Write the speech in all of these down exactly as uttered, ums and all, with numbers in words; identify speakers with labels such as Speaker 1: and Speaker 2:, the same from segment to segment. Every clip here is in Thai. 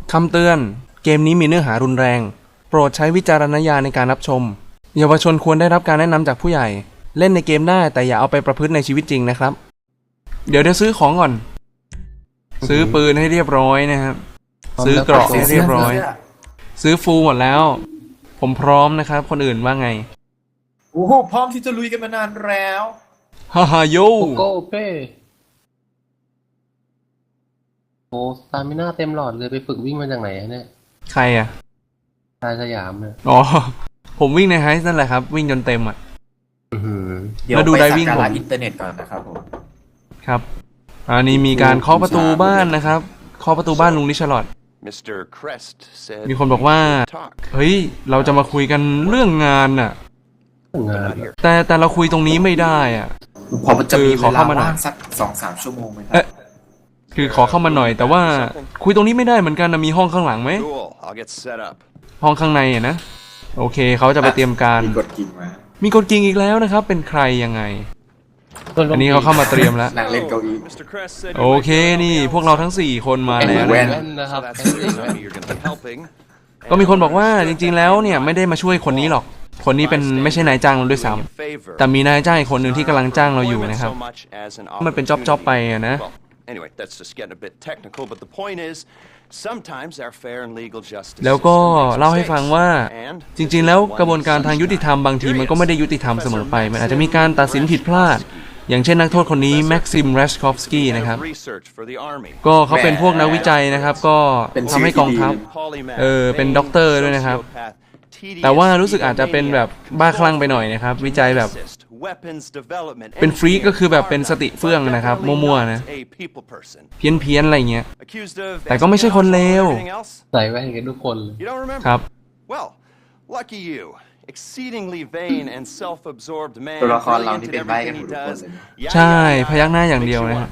Speaker 1: คำเตือนเกมนี้มีเนื้อหารุนแรงโปรดใช้วิจารณญาณในการรับชมเยาวชนควรได้รับการแนะนำจากผู้ใหญ่เล่นในเกมได้แต่อย่าเอาไปประพฤติในชีวิตจริงนะครับเดี๋ยวเดี๋ยวซื้อของก่อนซื้อปืนให้เรียบร้อยนะครับซื้อเกราะให้เรียบร้อยซื้อฟูลหมดแล้วผมพร้อมนะครับคนอื่นว่าไง
Speaker 2: โอ้โหพร้อมที่จะลุยกันมานานแล้ว
Speaker 1: ฮ่าฮ่าโย
Speaker 3: โก้เป้โอ้สตามิน่าเต็มหลอดเลยไปฝึกวิ่งมาจากไหนเนี่ย
Speaker 1: ใครอ่ะ
Speaker 3: ชายสยามเนี่ย
Speaker 1: อ๋อผมวิ่งในไฮส์นั่นแหละครับวิ่งจนเต็มอ่ะ
Speaker 2: เดี๋ยวไปสักการะอินเทอร์เน็ตก่อนนะครับผม
Speaker 1: ครับอันนี้มีการเคาะประตูบ้านนะครับเคาะประตูบ้านลุงริชาร์ดมีคนบอกว่าเฮ้ยเราจะมาคุยกันเรื่องงานน่ะแต่แต่เราคุยตรงนี้ไม่ได้อ่ะ
Speaker 2: พอมันจะมีเวลาว่างสักสองสามชั่วโมงไหมครับ
Speaker 1: คือขอเข้ามาหน่อยแต่ว่าคุยตรงนี้ไม่ได้เหมือนกันนะมีห้องข้างหลังไหมห้องข้างในอ่ะนะโอเคเขาจะไปเตรียมการ
Speaker 2: มีกดกิ่งมา
Speaker 1: มีกดกิ่งอีกแล้วนะครับเป็นใครยังไงอันนี้เขาเข้ามาเตรียมแล้ว
Speaker 2: นั่งเล่นเก้าอี้
Speaker 1: โอเคนี่พวกเราทั้งสี่คนมาแล้ว
Speaker 3: นะครับ
Speaker 1: ก็มีคนบอกว่าจริงๆแล้วเนี่ยไม่ได้มาช่วยคนนี้หรอกคนนี้เป็นไม่ใช่นายจ้างเราด้วยซ้ำแต่มีนายจ้างอีกคนหนึ่งที่กำลังจ้างเราอยู่นะครับมันเป็นจ็อบๆไปอะนะแล้วก็เล่าให้ฟังว่าจริงๆแล้วกระบวนการทางยุติธรรมบางทีมันก็ไม่ได้ยุติธรรมเสมอไปมันอาจจะมีการตัดสินผิดพลาดอย่างเช่นนักโทษคนนี้แม็กซิมเรชคอฟสกี้นะครับก็เขาเป็นพวกนักวิจัยนะครับก็ทำให้กองทัพเออเป็นด็อกเตอร์ด้วยนะครับแต่ว่ารู้สึกอาจจะเป็นแบบบ้าคลั่งไปหน่อยนะครับวิจัยแบบเป็นฟรีก็คือแบบเป็นสติเฟื่องนะครับมั่วๆนะเพี้ยนๆอะไรเงี้ยแต่ก็ไม่ใช่คนเลว
Speaker 3: ใส่แว่นกันทุกคน
Speaker 1: ครับ
Speaker 2: ตัวละครเราที่เป็นใบกันทุกคนเลย
Speaker 1: ใช่พยักหน้าอย่างเดียวนะฮะ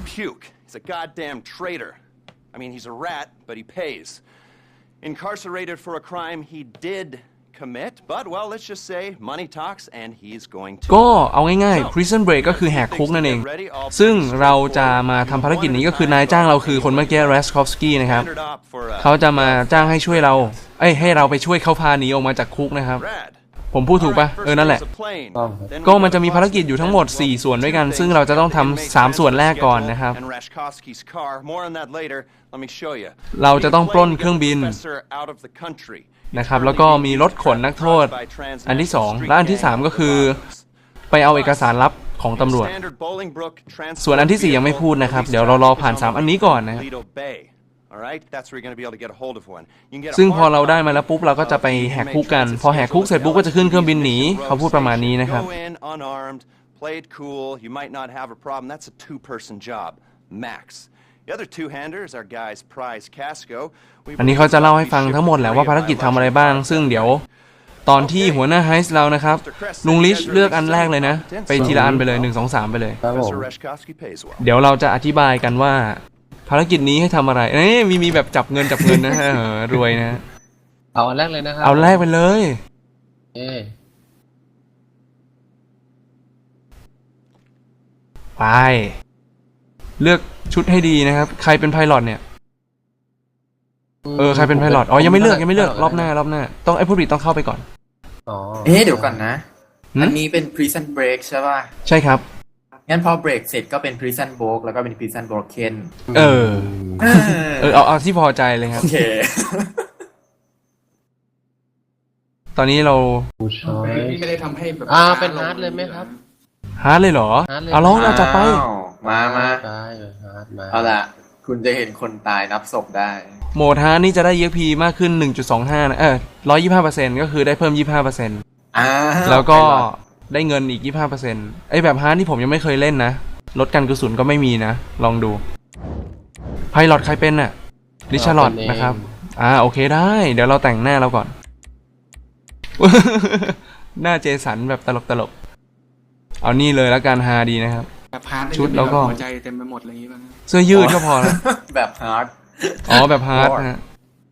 Speaker 4: Incarcerated for a crime he did commit, but well, let's just say money talks and he's going to.
Speaker 1: ก็เอาง่ายๆ Prison Break ก็คือแหกคุกนั่นเองซึ่งเราจะมาทำภารกิจนี้ก็คือนายจ้างเราคือคนเมื่อกี้ Raskovsky นะครับเขาจะมาจ้างให้ช่วยเราเอ้ยให้เราไปช่วยเขาพาหนีออกมาจากคุกนะครับผมพูดถูกปะเออนั่นแหละก็มันจะมีภารกิจอยู่ทั้งหมดสี่ส่วนด้วยกันซึ่งเราจะต้องทำสามส่วนแรกก่อนนะครับเราจะต้องปล้นเครื่องบินนะครับแล้วก็มีรถขนนักโทษอันที่สองและอันที่สามก็คือไปเอาเอกสารลับของตำรวจส่วนอันที่สี่ยังไม่พูดนะครับเดี๋ยวเรารอผ่านสามอันนี้ก่อนนะครับซึ่งพอเราได้มาแล้วปุ๊บเราก็จะไปแหกคุกกันพอแหกคุกเสร็จปุ๊บก็จะขึ้นเครื่องบินหนีเขาพูดประมาณนี้นะครับอันนี้เขาจะเล่าให้ฟังทั้งหมดแหละว่าภารกิจทำอะไรบ้างซึ่งเดี๋ยวตอนที่หัวหน้าไฮส์เรานะครับลุงลิชเลือกอันแรกเลยนะไปทีละอันไปเลยหนึ่ง สอง สามไปเลยเดี๋ยวเราจะอธิบายกันว่าภารกิจนี้ให้ทำอะไรเอ้ยมีมีแบบจับเงินจับเงินนะฮะรวยนะ
Speaker 3: เอาอันแรกเลยนะครับ
Speaker 1: เอาแรกไปเลยไปเลือกชุดให้ดีนะครับใครเป็นไพลอตเนี่ยเออใครเป็นไพลอตอ๋อยังไม่เลือกยังไม่เลือกรอบหน้ารอบหน้าต้องไอ้ผู้ผลิตต้องเข้าไปก่อน
Speaker 3: อ๋อ
Speaker 2: เอ๊ะเดี๋ยวก่อนนะอันนี้เป็น Prison Break ใช่ป่ะ
Speaker 1: ใช่ครับ
Speaker 2: งั้นพอเบรกเสร็จก็เป็น Prison Break แล้วก็เป็น Prison Broken
Speaker 1: เออเออเอาเอาที่พอใจเลยครับ
Speaker 2: โอเค
Speaker 1: ตอนนี้เรา
Speaker 2: ไม่ได้ทำให้แบบ
Speaker 3: อ่าเป็นฮาร์ดเลยไหมครับ
Speaker 1: ฮาร์ดเลยเหรอเอาลองเราจัดไป
Speaker 2: มามาเอาล่ะคุณจะเห็นคนตายนับศพได้
Speaker 1: โหมดฮาร์ดนี่จะได้ อี เอ็ก พี มากขึ้น หนึ่งจุดสองห้า นะเออ หนึ่งร้อยยี่สิบห้าเปอร์เซ็นต์ ก็คือได้เพิ่ม ยี่สิบห้าเปอร์เซ็นต์
Speaker 2: อ่า
Speaker 1: แล้วก็ได้เงินอีก ยี่สิบห้าเปอร์เซ็นต์ ไอ้แบบฮาร์ดที่ผมยังไม่เคยเล่นนะลดกันกระสุนก็ไม่มีนะลองดูไพลอตใครเป็นน่ะริชาร์ดนะครับอ่าโอเคได้เดี๋ยวเราแต่งหน้าเราก่อนหน้าเจสันแบบตลกตลกเอานี่เลยแล้วกันฮาดีนะครับชุดแล้วก็
Speaker 2: หัวใจเต็มไปหมดอะไรอย่างงี้ป่ะ
Speaker 1: เสื้อยืดก็พอแล้ว
Speaker 2: แบบฮาร์ด
Speaker 1: อ๋อแบบฮาร์ดนะฮะ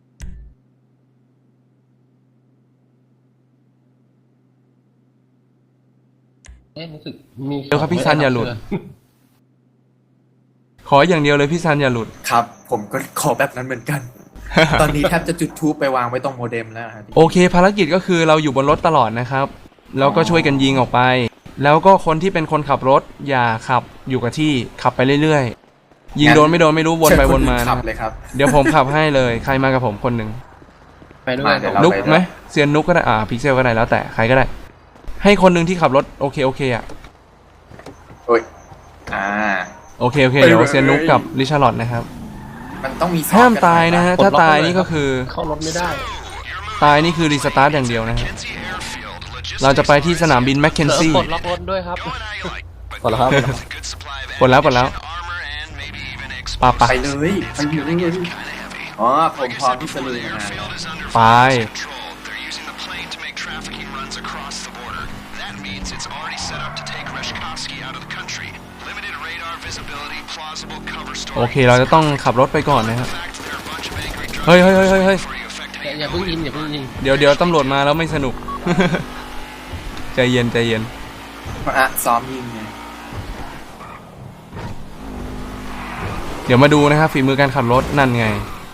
Speaker 3: เอ๊ะรู้สึกมี
Speaker 1: เดี๋ยวครับพี่ซันอย่าหลุดขออย่างเดียวเลยพี่ซันอย่าหลุด
Speaker 2: ครับผมก็ขอแบบนั้นเหมือนกันตอนนี้แทบจะจุดทูปไปวางไว้ตรงโมเด็มแล้วครับ
Speaker 1: โอเค ภารกิจก็คือเราอยู่บนรถตลอดนะครับแล้วก็ช่วยกันยิงออกไป แล้วก็คนที่เป็นคนขับรถอย่าขับอยู่กับที่ขับไปเรื่อยๆยิงโดนไม่โดนไม่รู้วนไปวนมา
Speaker 2: เชิญค
Speaker 1: นะ
Speaker 2: ขับเลยครับ
Speaker 1: เดี๋ยวผมขับให้เลยใครมากับผมคนหนึ่ง
Speaker 3: ไปด้วย
Speaker 2: มาเดี๋ยวเรา
Speaker 1: นุกไหมเซียนนุกก็ได้อ่าพิกเซลก็ได้แล้วแต่ใครก็ได้ ให้คนหนึ่งที่ขับรถโอเคโอเคอ่ะ
Speaker 2: โอ้ยอ่า
Speaker 1: โอเคโอเคเดี๋ยวเซียนนุกกับลิชาร์ลอตนะครับ
Speaker 2: มันต้องมีซ้อ
Speaker 1: ห้าม
Speaker 2: กัน
Speaker 1: ตายนะฮะถ้าตายนี่ก็คือ
Speaker 3: เข้ารถไม่ได้
Speaker 1: ตายนี่คือรีสตาร์ทอย่างเดียวนะฮะเราจะไปที่สนามบินแมคเคน
Speaker 3: เออ
Speaker 1: ซี่
Speaker 3: ปลดล็อกรถด้วยครับ
Speaker 5: กดแล้วครับ
Speaker 1: ปลดแล้วปลดแล้วปะปะ
Speaker 2: ไปเลยไปเลยอ๋อผมพร้อมที่จะลุยงาน
Speaker 1: ไป โอเคเราจะต้องขับรถไปก่อนนะครับเฮ้ยเฮ้ยเฮ้ยเฮ้ยเฮ้ย
Speaker 3: อย่าอย่าเพิ่งยิงอย่าเพิ่งยิง
Speaker 1: เดี๋ยวเดี๋ยวตำรวจมาแล้วไม่สนุก ใจเย็นใจเย็น
Speaker 2: อ่ะซ้อมยิงไง
Speaker 1: เดี๋ยวมาดูนะครับฝีมือการขับรถนั่นไง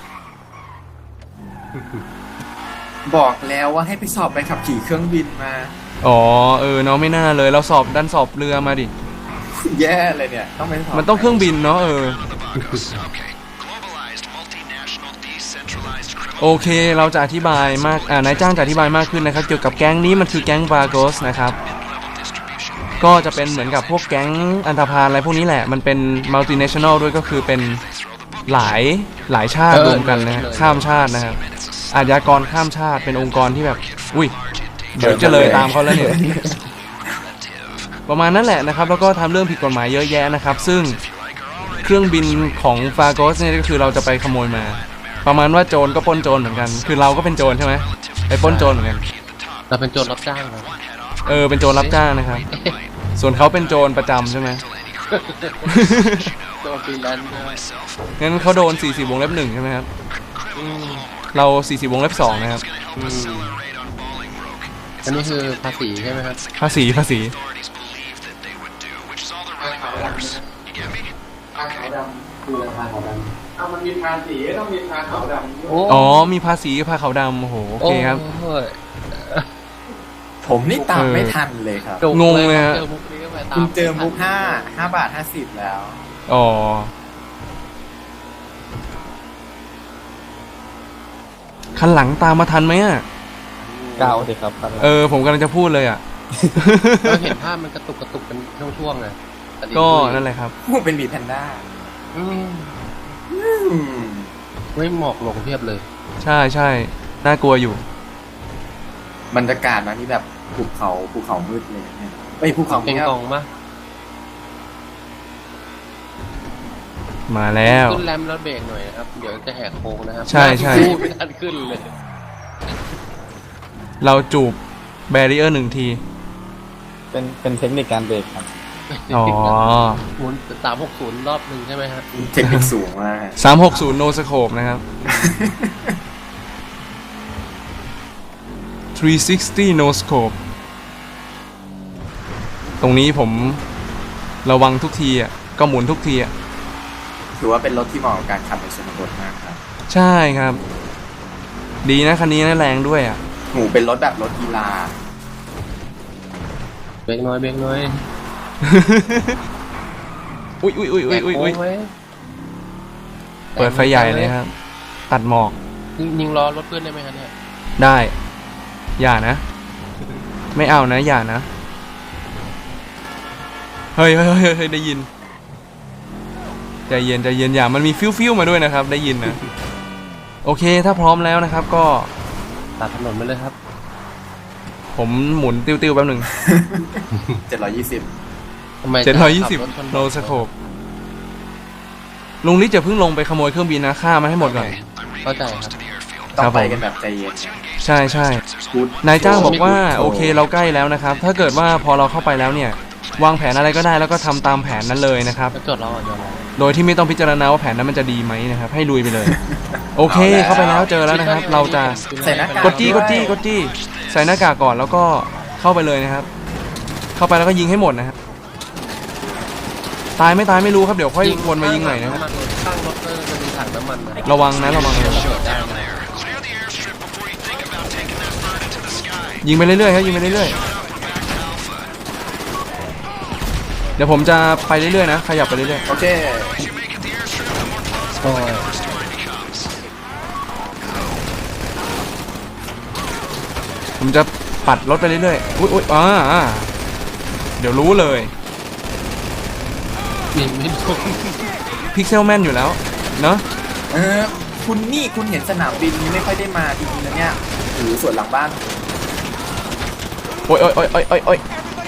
Speaker 2: บอกแล้วว่าให้ไปสอบไปขับขี่เครื่องบินมา
Speaker 1: อ๋อเออเนาะไม่น่าเลยเราสอบดันสอบเรือมาดิ
Speaker 2: แย่เลยเนี่ยต้องไปสอบ
Speaker 1: มันต้องเครื่องบินเนาะเออ โอเคเราจะอธิบายมากอ่านายจ้างจะอธิบายมากขึ้นนะครับเกี่ยวกับแก๊งนี้มันคือแก๊งบาโกสนะครับก็จะเป็นเหมือนกับพวกแก๊งอันธพาลอะไรพวกนี้แหละมันเป็นมัลติเนชั่นแนลด้วยก็คือเป็นหลายหลายชาติรวมกันนะฮะข้ามชาตินะครับอาชญากรข้ามชาติเป็นองค์กรที่แบบอุ้ยเดี๋ยวจะเลยตามเขาแล้วเนี่ย ประมาณนั้นแหละนะครับแล้วก็ทำเรื่องผิดกฎหมายเยอะแยะนะครับซึ่งเครื่องบินของฟาโกสเนี่ยก็คือเราจะไปขโมยมา ประมาณว่าโจรก็ปล้นโจรเหมือนกันคือเราก็เป็นโจรใช่ไหมไปปล้นโจรเหมือนกัน
Speaker 3: เราเป็นโจรรับจ้างครับ
Speaker 1: เออเป็นโจรรับจ้างนะครับส่วนเขาเป็นโจรประจำใช่ไหม
Speaker 3: โจรฟรีแลนซ์ด้วย
Speaker 1: งั้นเขาโดนสี่สิบวงเล็บหนึ่งใช่ไหมครับ
Speaker 3: อืม
Speaker 1: เราสี่สิบวงเล็บสองนะครับ
Speaker 3: อืมอันนี้คือภาษีใช่ไหมครับ
Speaker 1: ภาษีภาษี
Speaker 2: เอามันมีภาษีต้องมีภาขาวดำ
Speaker 3: โอ้
Speaker 1: อ๋อมีภาษีกับภาขาวดำโอ้โหโอเคครับ
Speaker 3: โอ้ย
Speaker 2: ผมนี่ตาม
Speaker 1: เออ
Speaker 2: ไม่ทันเลยครับ
Speaker 3: จุก
Speaker 1: งงเลยฮะ
Speaker 3: เจอมุกนี้ก็ไปตาม
Speaker 2: คุณเจอมุกห้าห้าบาทห้าสิบแล้ว
Speaker 1: อ๋อคันหลังตามมาทันไหมอ่ะ
Speaker 5: ก้าวสิครับ
Speaker 1: เออผมกำลังจะพูดเลยอ่ะ
Speaker 3: เราเห็นภาพมันกระตุกกระตุกเป็นช่วงๆไง
Speaker 1: ก็นั่นแหละครับ
Speaker 2: เป็นบีแพนด้า
Speaker 3: อืม
Speaker 2: อืม
Speaker 3: ไม่หมอกลงเพียบเลย
Speaker 1: ใช่ใช่น่ากลัวอยู่
Speaker 2: บรรยากาศมันนี่แบบภูเขาภูเขามืดเลยเนี่ยเอ้ยภูเขา
Speaker 3: เก่ง
Speaker 2: เงียบ
Speaker 3: กองมะ
Speaker 1: มาแล้ว
Speaker 3: ขึ้นแรมแล้วเบรกหน่อยนะครับ เดี๋ยวจะแหกโค้งนะครับ
Speaker 1: ใช่ใช่
Speaker 3: พูดไม่ทันขึ้นเลย
Speaker 1: เราจูบแบรีเออร์หนึ่งที
Speaker 5: เป็นเป็นเทคนิคการเบรกครับ
Speaker 1: อ๋อ
Speaker 3: หมุนสามหกศูนย์รอบหนึ่งใช่ไหมฮะ
Speaker 2: เทคนิคสูงมาก
Speaker 1: สามหกศูนย์ no scope นะครับ สามหกศูนย์ no scope ตรงนี้ผมระวังทุกทีอ่ะ ก็หมุนทุกทีอ่ะ
Speaker 2: ถือว่าเป็นรถที่เหมาะกับการขับในชนบทมากครับ
Speaker 1: ใช่ครับ ดีนะคันนี้นะแรงด้วยอ่ะ
Speaker 2: หมูเป็นรถแบบรถกีฬา
Speaker 3: เบรกน้อยเบรกน้อย
Speaker 1: อุ้ยอุ้ยอุ้ยอุ้ยอุ้ยอุ้ย
Speaker 3: แหกโค้งไว้
Speaker 1: เปิดไฟใหญ่เลยครับ ตัดหมอก
Speaker 3: ยิงยิงล้อรถเพื่อนได้ไหมครับเนี่ย
Speaker 1: ได้ อย่านะ ไม่เอานะ อย่านะ เฮ้ยเฮ้ยเฮ้ยเฮ้ยได้ยิน ใจเย็นใจเย็นอย่ามันมีฟิวฟิวมาด้วยนะครับ ได้ยินนะ โอเคถ้าพร้อมแล้วนะครับ ก็
Speaker 3: ตัดถนนไปเลยครับ
Speaker 1: ผมหมุนติ้วๆแป๊บหนึ่ง
Speaker 2: เจ็ดร้อยยี่สิบ
Speaker 3: ทำไม
Speaker 1: เจ็ดร้อยยี่สิบ
Speaker 3: ขัรถชน
Speaker 1: โนสโคปลุงลิศจะเพิ่งลงไปขโมยเครื่องบินนะฆ่ามันให้หมดก่อน
Speaker 3: เข้าใจครับ
Speaker 2: ต้องไป
Speaker 1: ครับผม
Speaker 2: กันแบบใจเย็นนะ
Speaker 1: ใช่ใช่
Speaker 2: Good
Speaker 1: นายจ้างบอกว่า
Speaker 2: Good
Speaker 1: โอเคเราใกล้แล้วนะครับ ถ้าเกิดว่าพอเราเข้าไปแล้วเนี่ย วางแผนอะไรก็ได้แล้วก็ทำตามแผนนั้นเลยนะครับ
Speaker 3: ก็จดเราอ่ะจดเรา
Speaker 1: โดยที่ไม่ต้องพิจารณาว่าแผนนั้นมันจะดีไหมนะครับ ให้ลุยไปเลย โอเค เข้าไปแล้วเจอแล้วนะครับ เราจะ
Speaker 2: ใส่หน้ากาก
Speaker 1: กดจี้กดจี้กดจี้ใส่หน้ากากก่อนแล้วก็เข้าไปเลยนะครับ เข้าไปแล้วก็ยิงให้หมดนะครับตายไม่ตายไม่รู้ครับเดี๋ยวค่อยวนมายิงใหม่นะครับ
Speaker 3: ข้างรถก็จะมีถังน้ำมันนะ
Speaker 1: ระวังนะระวังนะ
Speaker 3: ระเบิดได้นะ
Speaker 1: ยิงไปเรื่อยๆครับยิงไปเรื่อยๆเดี๋ยวผมจะไปเรื่อยๆนะขยับไปเรื่อย
Speaker 2: โอเค
Speaker 3: โอ้ย
Speaker 1: ๆผมจะปัดรถไปเรื่อยๆอุ้ยอุ้ยอ่าอ่าเดี๋ยวรู้เลย
Speaker 3: ยิงไม่โดน
Speaker 1: พิกเซลแมนอยู่แล้วเนาะ
Speaker 2: เออคุณนี่คุณเห็นสนามบินไม่ค่อยได้มาจริงๆนะเนี่ยหรือส่วนหลังบ้าน
Speaker 1: โอ้ยโอ้ยโอ้ยโอ้ยโอ้ยโอ้ย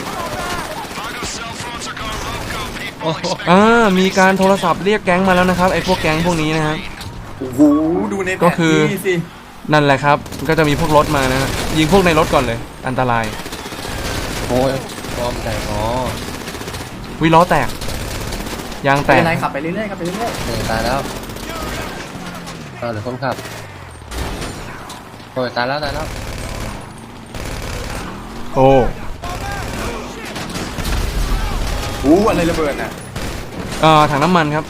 Speaker 3: โอ้โห
Speaker 1: อ่ามีการโทรศัพท์เรียกแก๊งมาแล้วนะครับไอ้พวกแก๊งพวกนี้นะครับ
Speaker 2: โอ้โหดูในแผ
Speaker 1: ก็
Speaker 2: น
Speaker 1: คือ
Speaker 2: ที่สิ
Speaker 1: นั่นแหละครับก็จะมีพวกรถมานะฮะยิงพวกในรถก่อนเลยอันตราย
Speaker 3: โอ้ยพร้อมใจอ๋อ
Speaker 1: วิล้อแตกยางแต
Speaker 2: ไม่
Speaker 1: ก
Speaker 2: เป็นไรขับไปเรื่อยๆขับไปเรื่อย
Speaker 3: เออตายแล้วเอาเดี๋ยวคนขับโอ้ยตายแล้วตายแล้ว
Speaker 1: โอ้
Speaker 2: ๆอู้อะไรระเบิดน่ะ
Speaker 1: อ่าถังน้ำมันครับ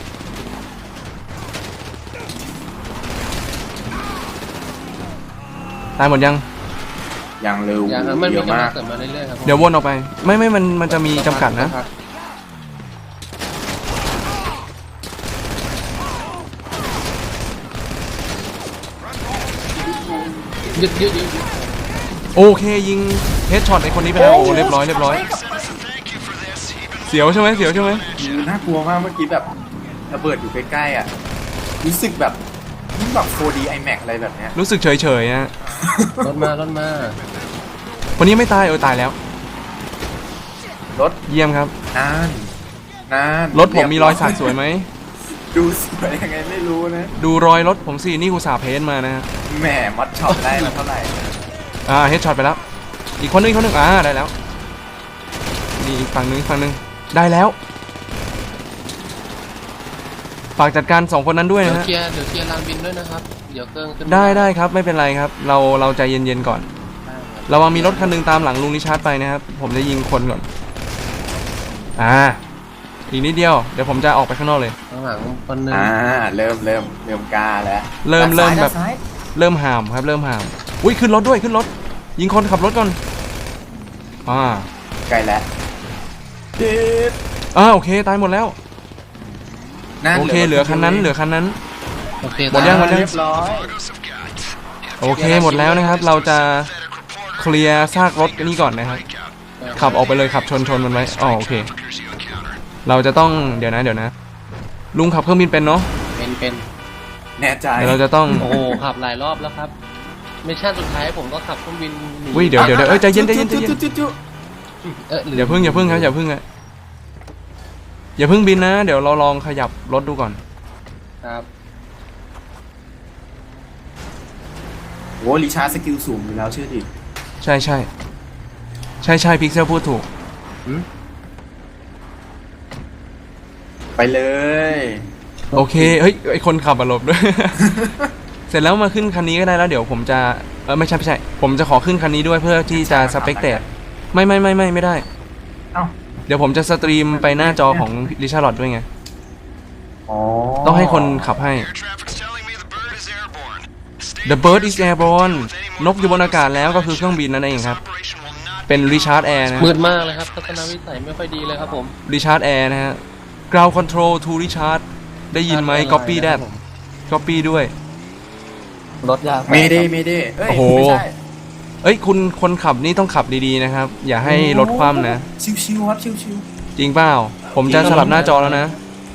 Speaker 1: ตายหมดยัง
Speaker 2: อย่างเร็ว
Speaker 3: อย่างนั้นมัน
Speaker 2: เย
Speaker 3: มี
Speaker 2: อะ
Speaker 3: กำลั
Speaker 2: มาง ก
Speaker 3: เสริมมาเรื่อยๆครับผม
Speaker 1: เดี๋ยววนออกไปไม่ไม่มันมันจะมีจำกัดนะ
Speaker 3: ยึดยึดยึด
Speaker 1: โอเคยิงเฮดช็อตไอ้คนนี้ไปแล้วโอ้เรียบร้อยเรียบร้อยเสียวใช่ไหมเสียวใช่ไหม
Speaker 2: น่ากลัวมากเมื่อกี้แบบระเบิดอยู่ใกล้ๆอ่ะรู้สึกแบบนี่แบบ โฟร์ ดี IMAX อะไรแบบเนี้ย
Speaker 1: รู้สึกเฉยเฉยๆนะ
Speaker 3: รถมารถมา
Speaker 1: คนนี้ไม่ตายเออตายแล้ว
Speaker 2: รถ
Speaker 1: เยี่ยมครับ
Speaker 2: นานนาน
Speaker 1: รถผมมีรอยสักสวยไหม
Speaker 2: ดูสวยยังไงไม่รู้นะ
Speaker 1: ดูรอยรถผมสินี่กูสาเพนมานะฮะ
Speaker 2: แหมมอดช็อปได้มาเท่าไหร่
Speaker 1: อ่าเฮดช็อตไปแล้วอีกคนนึงอีกคนนึงอ่าได้แล้วนี่อีกฝั่งนึงอีกฝั่งนึงได้แล้วฝากจัดการสองคนนั้นด้วย
Speaker 3: เดี๋ยว
Speaker 1: นะฮะ
Speaker 3: เคลียร์เดี๋ยวเคลียร์ลานบินด้วยนะครับเดี๋ยวเครื่องขึ้น
Speaker 1: ได้ได้ครับไม่เป็นไรครับ เราเราใจเย็นๆก่อนระวังมีรถคันหนึงตามหลังลุงนิชาร์ดไปนะครับผมจะยิงคนก่อนอ่าอีกนิดเดียวเดี๋ยวผมจะออกไปข้างนอกเลย
Speaker 3: ข้างหลังคนหนึ่ง
Speaker 2: อ่าเริ่มเริ่มเริ่มกล้าแล้ว
Speaker 1: เริ่มเริ่มแบบ
Speaker 2: ด้านซ้าย
Speaker 1: เริ่มห่ามครับเริ่มห่ามอุ้ยขึ้นรถด้วยขึ้นรถยิงคนขับรถก่อนอ่า
Speaker 2: ใกล้แล้วเด็ด
Speaker 1: อ่าโอเคตายหมดแล้ว
Speaker 2: นั่น
Speaker 1: โอเคเหลือคันนั้นเหลือคันนั้น
Speaker 3: โอเค
Speaker 1: หมดยังหมดยัง
Speaker 2: เรียบร้อย
Speaker 1: โอเคหมดแล้วนะครับ เราจะเคลียร์ซากรถนี่ก่อนนะครับขับออกไปเลยขับชนชนมันไว้อ๋อโอเค เราจะต้องเดี๋ยวนะเดี๋ยวนะ ลุงขับเครื่องบินเป็นเนาะ
Speaker 3: เป็นเป็น
Speaker 2: แน่ใจ
Speaker 1: เดี๋ยวเราจะต้อง
Speaker 3: โอ้โหขับหลายรอบแล้วครับมิชชั่นสุดท้ายผมก็ขับเครื่องบินหนี
Speaker 1: อุ้ยเดี๋ยวเดี๋ยวเดี๋ยวเอ้ยใจเย็นใจเย็นใจเย็น
Speaker 2: จุ๊จุ๊จุ๊
Speaker 3: เออ
Speaker 1: อย่าเพิ่งอย่าเพิ่งครับอย่าเพิ่งอะอย่าเพิ่งบินนะ เดี๋ยวเราลองขยับรถดูก่อน
Speaker 3: ครับ
Speaker 2: โอ้ลิชาร์ดสกิลสูงอยู่แล้วเชื่อดิ
Speaker 1: ใช่ใช่ใช่ใช่พิกเซลพูดถูก
Speaker 2: ไปเลย
Speaker 1: โอเคเฮ้ยไอคนขับอารมณ์ด้วย เสร็จแล้วมาขึ้นคันนี้ก็ได้แล้วเดี๋ยวผมจะเออไม่ใช่ไม่ใช่ ผมจะขอขึ้นคันนี้ด้วยเพื่อที่จะสเปกเตตไม่ไม่ไม่ไม่ไม่ได้
Speaker 2: เอ้า
Speaker 1: เดี๋ยวผมจะสตรีมไปหน้าจอของริชาร์ดด้วยไง
Speaker 2: อ๋อ
Speaker 1: ต้องให้คนขับให้ The bird is airborne นกอยู่บนอากาศแล้วก็คือเครื่องบินนั่นเองครับ เป็นริชาร์ดแอร์นะ
Speaker 3: มืดมากเลยครับทัศนวิสัยไม่ค่อยดีเลยครับผม
Speaker 1: ริชาร์ดแอร์นะฮะ ground control to Richard ได้ยินไหม copy that copy ด้วย
Speaker 5: รถยาง
Speaker 2: เมเดเมเดเอ้ย
Speaker 1: โอ้โห
Speaker 2: ไม่ใช่
Speaker 1: เอ้ยคุณคนขับนี่ต้องขับดีๆนะครับ อย่าให้รถคว่ำนะ
Speaker 2: ชิวๆครับชิว
Speaker 1: จริงเปล่า ผมจะสลับหน้าจอแล้วนะ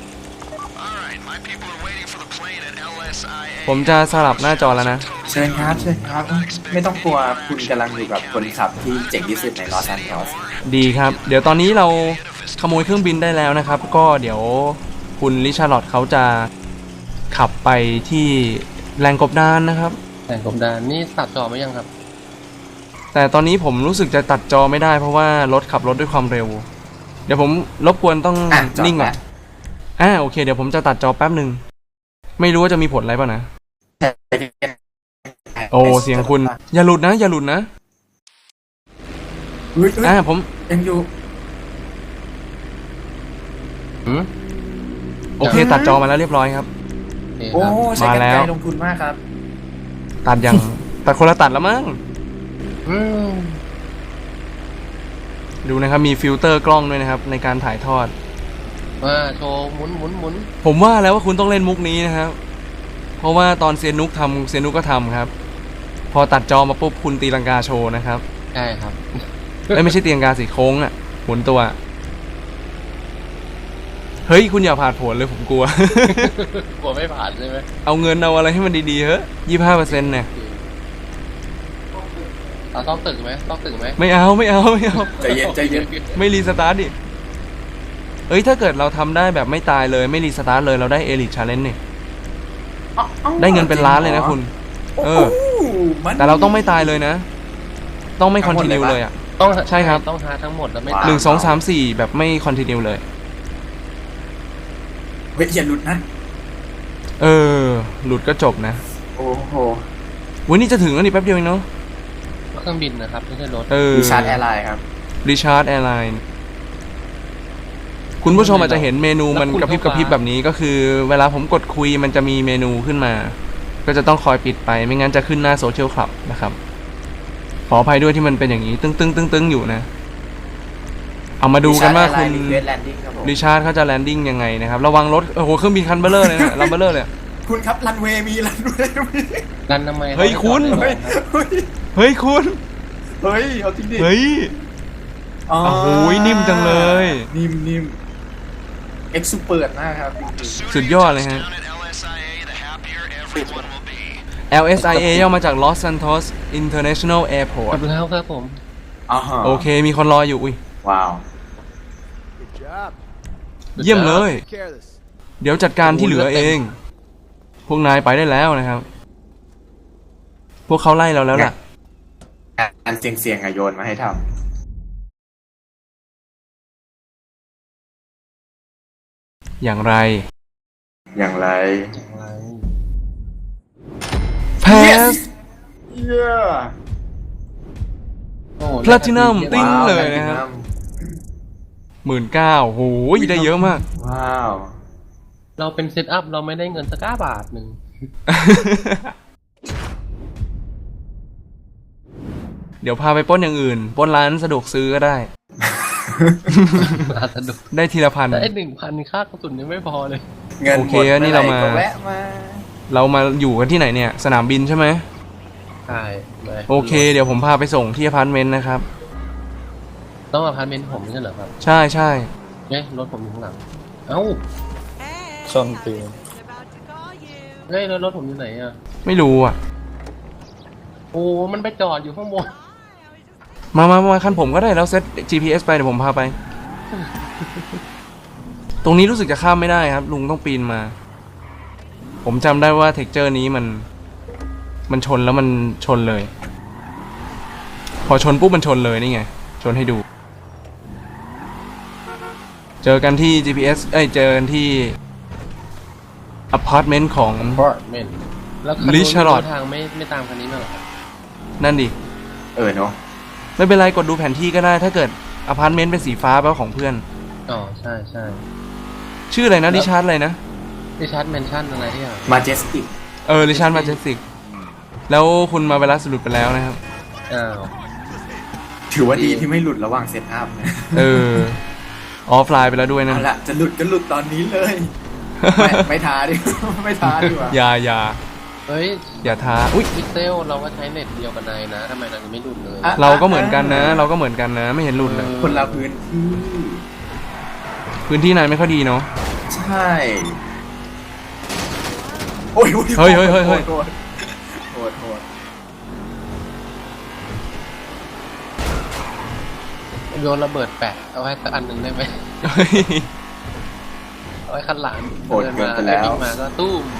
Speaker 1: ผมจะสลับหน้าจอแล้วนะ
Speaker 2: ๆเชิญครับเชิญครับ ไม่ต้องกลัวคุณกำลังอยู่กับคนขับที่เจ๋งที่สุดในลอสแอนเจลิส
Speaker 1: ดีครับ เดี๋ยวตอนนี้เราขโมยเครื่องบินได้แล้วนะครับ ก็เดี๋ยวคุณริชาร์ดเขาจะขับไปที่แหล่งกบดานนะครับ
Speaker 3: แต่งกบดานนี่ตัดจอไหมยังครับ
Speaker 1: แต่ตอนนี้ผมรู้สึกจะตัดจอไม่ได้เพราะว่ารถขับรถด้วยความเร็ว เดี๋ยวผมรบกวนต้อง
Speaker 2: อ่ะจอด
Speaker 1: นิ่งก่อน
Speaker 2: แหละ
Speaker 1: อ่าโอเค เดี๋ยวผมจะตัดจอแป๊บหนึ่งไม่รู้ว่าจะมีผลอะไรป่ะนะ โอ้เสียงคุณ อย่าหลุดนะ อย่าหลุดนะ
Speaker 2: เฮ้ยเฮ้ย
Speaker 1: อ่าผม
Speaker 2: ยังอยู่
Speaker 3: หืม
Speaker 1: โอเค ตัดจอมาแล้วเรียบร้อยครับ
Speaker 3: โอเค
Speaker 2: โอ้
Speaker 3: ครับ
Speaker 2: ใช้กัน
Speaker 1: มาแล้
Speaker 2: ไกล
Speaker 1: ว
Speaker 2: ลงทุนมากครับ
Speaker 1: ตัดยัง ตัดคนละตัดแล้วมั้ง
Speaker 3: อืม
Speaker 1: ดูนะครับมีฟิลเตอร์กล้องด้วยนะครับในการถ่ายทอด
Speaker 3: มาโชว์หมุนหมุนหมุน
Speaker 1: ผมว่าแล้วว่าคุณต้องเล่นมุกนี้นะครับ เพราะว่าตอนเซียนนุกทำเซียนนุกก็ทำครับ พอตัดจอมาปุ๊บคุณตีลังกาโชว์นะครับ
Speaker 3: ใช่ครับ
Speaker 1: เอ้ยไม่ใช่ตีลังกาสิโค้งอ่ะหมุนตัว เฮ้ยคุณอย่าผ่านผลเลยผมกลัว
Speaker 3: กลัวไม่ผ่านใช่ไหม
Speaker 1: เอาเงินเอาอะไรให้มันดีๆเฮ้ยยี่ห้าเปอร์เซ็นต์เนี่ย
Speaker 3: เราต้องตึกไหมต้องตึกไหม
Speaker 1: ไม่เอาไม่เอาไม่เอา
Speaker 2: ใจเย็นใจเย็น
Speaker 1: ไม่รีสตาร์ทดิเอ้ยถ้าเกิดเราทำได้แบบไม่ตายเลยไม่รีสตาร์ทเลยเราได้เอลิทชาเลนจ์เนี่ยได้เงินเป็นล้านเลยนะคุณ เออ
Speaker 2: มัน
Speaker 1: แต่เราต้องไม่ตายเลยนะ ต้องไม่คอนติเนียเลยอ่ะ
Speaker 3: ต้อง
Speaker 1: ใช่ครับ
Speaker 3: ต้องหาทั้งหมดแล้วไม่
Speaker 1: หนึ่งสองสามสี่แบบไม่คอนติเนียเลย
Speaker 2: เฮ้ยอย่าหลุดนะ
Speaker 1: เออ หลุดก็จบนะ
Speaker 2: โอ้โห
Speaker 1: วันนี้จะถึงแล้วนี่แป๊บเดียวเองเนาะ
Speaker 3: เครื่องบินนะครับไม่ใช่รถ
Speaker 1: เออ
Speaker 2: ดิชาร์ดแอร์ไลน์ครับ
Speaker 1: ริชาร์ดแอร์ไลน์คุณผู้ชมอาจจะเห็นเมนูมันกระพริบกระพริบแบบนี้ก็คือ เวลาผมกดคุยมันจะมีเมนูขึ้นมา ก็จะต้องคอยปิดไปไม่งั้นจะขึ้นหน้าโซเชียลคลับนะครับขออภัยด้วยที่มันเป็นอย่างนี้ ตึ้งตึ้งตึ้งตึ้งอยู่นะ เอามาดูกันว่าคุณ
Speaker 2: เวสแลนดิ้งครับผม
Speaker 1: ริชาร์ดเขาจะแลนดิ้งยังไงนะครับระวังรถโอ้โหเครื่องบินคันเบลเลอร์เลยนะลัมเบลเลอร์เลย
Speaker 2: คุณครับรันเวย์มีรันเวย์มี
Speaker 3: รันทำไม
Speaker 1: เฮ้ยคุณ
Speaker 2: เฮ้ยเฮ้ย
Speaker 1: เฮ้ยคุณ
Speaker 2: เฮ้ยเอาจริงดิ
Speaker 1: เฮ้ย
Speaker 2: อ๋อ
Speaker 1: โอ้โหนิ่มจังเลย
Speaker 2: นิ่มนิ่มเอ็กซ์ซูเปิดมากครับ
Speaker 1: สุดยอดเลยฮะ แอล เอส ไอ เอ ย่อมาจาก Los Santos International
Speaker 3: ก
Speaker 1: Airport
Speaker 3: ดแล้วครับผม
Speaker 2: อ๋อฮะ
Speaker 1: โอเคมีคนรออยู่อุ้ย
Speaker 2: ว้าว
Speaker 1: เยี่ยมเลย เดี๋ยวจัดการที่เหลือเอง พวกนายไปได้แล้วนะครับ พวกเขาไล่เราแล้วล่ะ
Speaker 2: อันเสียงเสียงๆอะโยนมาให้ท
Speaker 1: อย่างไร
Speaker 2: ำอย่างไร
Speaker 1: แพส
Speaker 2: เย้
Speaker 3: โอ้โห
Speaker 1: Platinum ติ้ง
Speaker 2: ว้าว
Speaker 1: เลยนะครับ หมื่นเก้าโหได้เยอะมาก
Speaker 2: ว้าว
Speaker 3: เราเป็นเซตอัพเราไม่ได้เงินสักก้าบาทหนึ่ง
Speaker 1: เดี๋ยวพาไปปล้นอย่างอื่นปล้นร้านสะดวกซื้อก็ได้
Speaker 3: มาสนุก
Speaker 1: ได้ทีละพัน
Speaker 3: แต่ไอ้หนึ่งพันค่ากระสุนยังไม่พอเลย
Speaker 2: เงิน
Speaker 1: โอ
Speaker 2: ห
Speaker 1: เค
Speaker 2: มด
Speaker 1: นี่เรามา
Speaker 2: อไหก็แวะมา
Speaker 1: เรามาอยู่กันที่ไหนเนี่ย สนามบินใช่ไหม
Speaker 3: ใช่เลย
Speaker 1: โอเค เดี๋ยวผมพาไปส่งที่อพาร์ตเมนต์นะครับ
Speaker 3: ต้องอพาร์ตเมนต์ผมไม่ใช่เหรอครับ
Speaker 1: ใช่ใช่
Speaker 3: เอ๊ะรถผมอยู่ข้างหลัง เอ้า
Speaker 5: ชนตีน
Speaker 3: เฮ้ยแล้วรถผมอยู่ไหนอ่ะ
Speaker 1: ไม่รู้อ่ะ
Speaker 3: โอ้มันไปจอดอยู่ข้างบน
Speaker 1: มามามาคันผมก็ได้แล้วเซต จี พี เอส ไปเดี๋ยวผมพาไป ตรงนี้รู้สึกจะข้ามไม่ได้ครับ ลุงต้องปีนมา ผมจำได้ว่าเท็กเจอร์นี้มัน มันชนแล้วมันชนเลย พอชนปุ๊บมันชนเลยนี่ไง ชนให้ดู เจอกันที่ จี พี เอส เอ้ยเจอกันที่อพาร์ตเมนต์ของ
Speaker 3: พาร์ตเมนต์แล้วคัน
Speaker 1: ลิ
Speaker 3: นู้น
Speaker 1: ชาร์ลอต
Speaker 3: ทางไม่ไม่ตามคันนี้มาเหรอครับ
Speaker 1: นั่นดิ
Speaker 2: เออเนาะ
Speaker 1: ไม่เป็นไรกดดูแผนที่ก็ได้ ถ้าเกิดอพาร์ตเมนต์เป็นสีฟ้าแปลว่าของเพื่อน
Speaker 3: อ๋อใช่ใช่
Speaker 1: ชื่ออะไรนะริชาร์ดอะไรนะ
Speaker 3: ดิชาร์ดแมนชั่นอะไรที่อ่ะ
Speaker 2: มาเจสติก
Speaker 1: เออริชาร์ดมาเจสติกแล้วคุณมาเวลาสรุปไปแล้วนะครับ
Speaker 3: อ้าว
Speaker 2: ถือว่าดีที่ไม่หลุดระหว่างเซตอัพนะ
Speaker 1: เออออฟไลน์ไปแล้วด้วยนะ
Speaker 2: เอาละจะหลุดก็หลุดตอนนี้เลย ไม่ไม่ท้าดิ ไม่ท้าดีกว่า
Speaker 1: อย่าอย่า
Speaker 3: เฮ้ย
Speaker 1: อย่าท้าอุ้ย
Speaker 3: พิกเซลเราก็ใช้เน็ตเดียวกับนายนะทำไมนายถึงไม่ดุดเลย
Speaker 2: อ่ะ
Speaker 1: เราก็เหมือนกันนะ เราก็เหมือนกันนะ ไม่เห็นหลุดเลย
Speaker 2: คนละพื้นที่
Speaker 1: พื้นที่นายไม่ค่อยดีเนาะ
Speaker 2: ใช่โอ้ยโอ้
Speaker 1: เฮ้ยเฮ้ยเฮ้ยเฮ้ย
Speaker 2: โหดโหดโหด
Speaker 3: โยนระเบิดแปะเอาไว้สักอันหนึ่งได้ไหม
Speaker 1: เฮ้ย
Speaker 3: เอาไว้คันหลัง
Speaker 2: โหดเกินไปแล้ว
Speaker 3: เดินมาก็ตุ้ม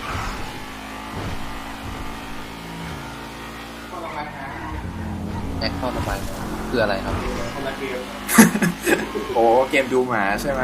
Speaker 3: แอคเข้าระบายน้ำคืออะไรครับ
Speaker 2: โอ้เกมดูหมาใช่ไหม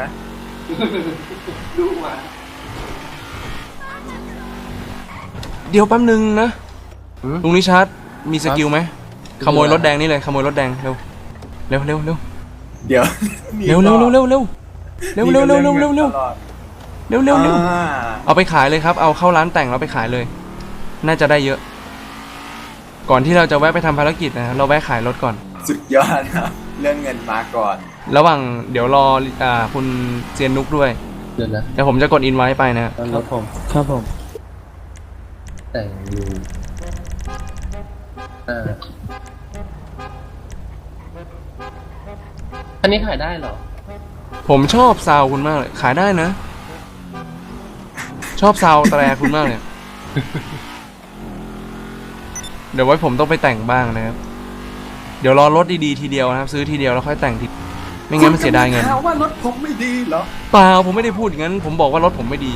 Speaker 1: เดี๋ยวแป๊บนึงนะ
Speaker 3: หืม
Speaker 1: ลุงริชาร์ดมีสกิลไหมขโมยรถแดงนี่เลยขโมยรถแดงเร็วเร็วเร็วเร็ว
Speaker 2: เดี๋ยว
Speaker 1: เร็วเร็วเร็วเร็วเร็วเร็วเร็วเร็วเร็วเร็วเร็ว
Speaker 2: ตลอด
Speaker 1: เร็วเร็วเร็ว
Speaker 2: อ่า
Speaker 1: เอาไปขายเลยครับ เอาเข้าร้านแต่งแล้วไปขายเลย น่าจะได้เยอะ ก่อนที่เราจะแวะไปทำภารกิจนะเราแวะขายรถก่อน
Speaker 2: สุดยอดนะเรื่องเงินมาก่อน
Speaker 1: ระหว่างเดี๋ยวรออ่าคุณเซียนนุกด้วย
Speaker 3: เดี๋ยวนะ
Speaker 1: เดี๋ยวผมจะกดอินไว้ไปนะ
Speaker 3: ตอนรถผม
Speaker 5: ครับผม
Speaker 3: แต่งอยู่อ่าอันนี้ขายได้เหรอ
Speaker 1: ผมชอบซาวคุณมากเลย ขายได้นะ ชอบซาวแตรคุณมากเลย เดี๋ยวไว้ผมต้องไปแต่งบ้างนะครับ เดี๋ยวรอรถดีๆทีเดียวนะครับ ซื้อทีเดียวแล้วค่อยแต่งทีไม่งั้นมันเสียดายเงิน
Speaker 2: คุณกำลังหาว่ารถผมไม่ดีเหรอ
Speaker 1: เปล่าผมไม่ได้พูดอย่างนั้น ผมบอกว่ารถผมไม่ดี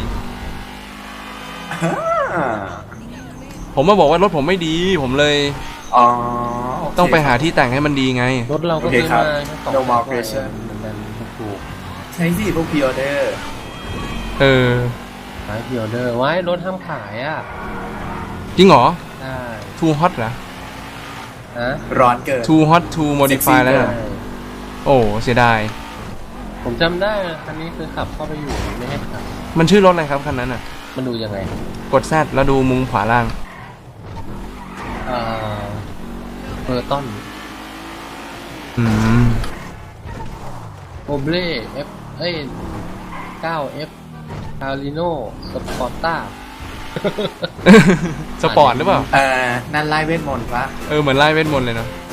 Speaker 2: อ่า
Speaker 1: ผมมาบอกว่ารถผมไม่ดี ผมเลย
Speaker 2: อ๋อโเค
Speaker 1: ต้องไปหาที่แต่งให้มันดีไง
Speaker 3: รถเราก็
Speaker 2: โอเค
Speaker 3: ซื้อ
Speaker 2: ครับ
Speaker 3: มาแค่สอง
Speaker 2: No
Speaker 3: พัน
Speaker 2: more
Speaker 3: กว่า
Speaker 2: question
Speaker 3: เหมือนกันถูก
Speaker 2: ใช้สิพวกพิออเดอร์
Speaker 1: เออ
Speaker 3: ๆขายพิออเดอร์ไว้รถห้ามขายอ่ะ
Speaker 1: จริงเหรอ
Speaker 3: ได้
Speaker 1: too hot เหรอ
Speaker 3: ฮะ
Speaker 2: ร้อนเกิน
Speaker 1: too hot to modify แล้ว
Speaker 2: เอ
Speaker 1: นะ
Speaker 2: อ
Speaker 3: ใช่
Speaker 1: โอ้เสียดาย
Speaker 3: ผมจำได้คันนี้คือขับเข้าไปอยู่ไม่ให้ขับ
Speaker 1: มันชื่อรถอะไรครับคันนั้นอ่ะ
Speaker 3: มันดูยังไง
Speaker 1: กด Z แล้วดูมุมขวาล่าง
Speaker 3: เอ่อเบอร์ตัน
Speaker 1: อืม
Speaker 3: โอเบล่เอฟเอ้ยเก้าเอฟคาริโนสปอร์ต้า
Speaker 1: สปอร์ตหรือเปล่า
Speaker 2: เอ่อนั่นไล่เวทมนต์ปะ
Speaker 1: เออ เหมือนไล่เวทมนต์เลยเนาะ